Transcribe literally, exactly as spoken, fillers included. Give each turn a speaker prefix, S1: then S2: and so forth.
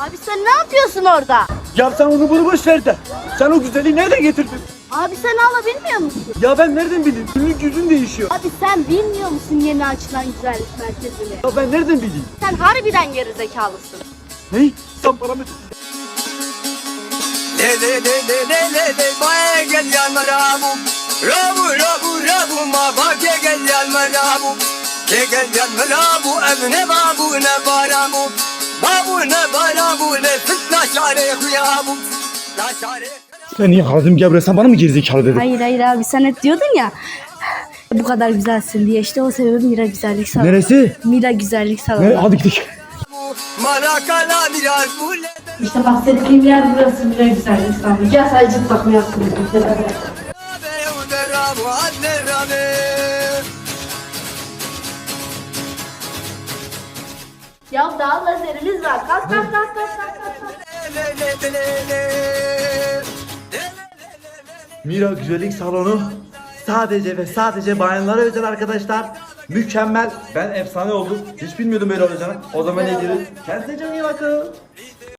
S1: Abi sen ne yapıyorsun orada?
S2: Ya sen onu bunu boş ver de. Sen o güzelliği nereden getirdin?
S1: Abi sen hala bilmiyor musun?
S2: Ya ben nereden bileyim? Günlük yüzün değişiyor.
S1: Abi sen bilmiyor musun yeni açılan güzellik merkezini?
S2: Ya ben nereden bileyim?
S1: Sen harbiden gerizekalısın.
S2: Ne? Sen bana mı...
S3: Le le le le le le le bae gel yanma rabu Rabu rabu rabu ma ba ke gel yanma rabu Ke gel yanma rabu evne babu ne baramu Babu ne barabu ne fitna şare huyabu La şare
S2: Sen niye Hazım Gebre, sen bana mı gerizekalı dedin?
S1: Hayır hayır abi sen hep diyordun ya. Bu kadar güzelsin diye işte o sebebi Mira Güzellik Salonu.
S2: Neresi?
S1: Mira Güzellik Salonu.
S2: Nere? Hadi gidelim.
S3: Marakala biraz bu le
S1: İşte bahsettiğim yer burası Mira Güzellik Salonu. Gel sadece bakma yaptım.
S3: Rabu adne rabe
S1: Ya daha lazerimiz var. Kalk kalk kalk kalk kalk. kalk.
S3: Le le le le le
S2: Mira Güzellik Salonu sadece ve sadece bayanlara özel arkadaşlar. Mükemmel. Ben efsane oldum. Hiç bilmiyordum böyle olacağını. O zaman ne diyoruz? Kendinize çok iyi bakın.